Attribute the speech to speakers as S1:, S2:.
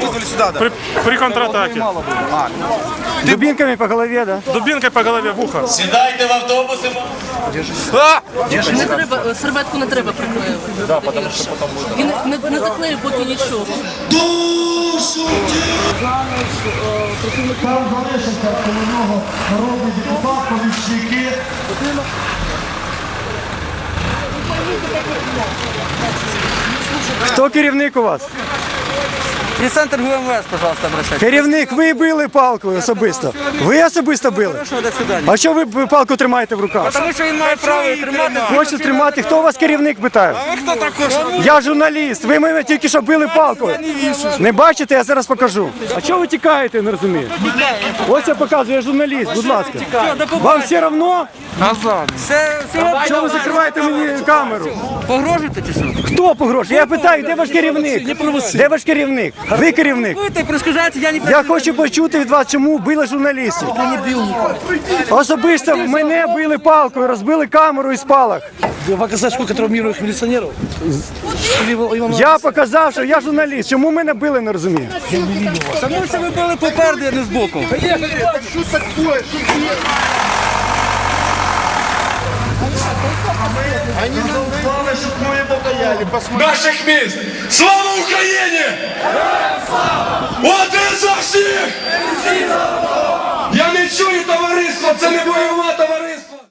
S1: вызвали сюда, да?
S2: При контратаке.
S3: Дубинками по голове, да?
S2: Дубинкой по голове в ухо.
S4: Сідайте в автобуси.
S5: Не треба, серветку не треба приклеювати. І не заклею поки нічого.
S6: Там залишився коло нього народний депутат, помічники.
S3: Хто керівник у вас?
S7: Пресс-центр ГУМВС, пожалуйста, обращайтесь.
S3: Керівник, ви били палкою особисто. Ви особисто били?
S7: Хорошо, до свидания.
S3: А що ви палку тримаєте в руках?
S7: Тому що він має право тримати.
S3: Хочете тримати? Хто у вас керівник, питаю?
S7: Хто також?
S3: Я журналіст, ви мене тільки що били палкою. Не бачите, я зараз покажу. А чого ви тікаєте, не розумію? Ось я показую, я журналіст, будь ласка. Вам все одно? Чого ви закриваєте мені камеру?
S7: Погрожуєте чи що?
S3: Хто погрожує? Я питаю, де ваш керівник? Де ваш керівник? Ви керівник.
S7: Ви так розкажете, я не
S3: Я хочу почути від вас, чому били журналістів. Особисто мене били палкою, розбили камеру і спалах.
S8: Показать, сколько травмируемых милиционеров?
S3: Я показав, що я журналіст. Чому мене били, не розумію.
S7: Тому що ви були попереду, а не збоку.
S6: Они назвали, щоб ми покаяли.
S4: Наших міст! Слава Україні! Один за всіх! Я не чую товариство, це не бойове товариство!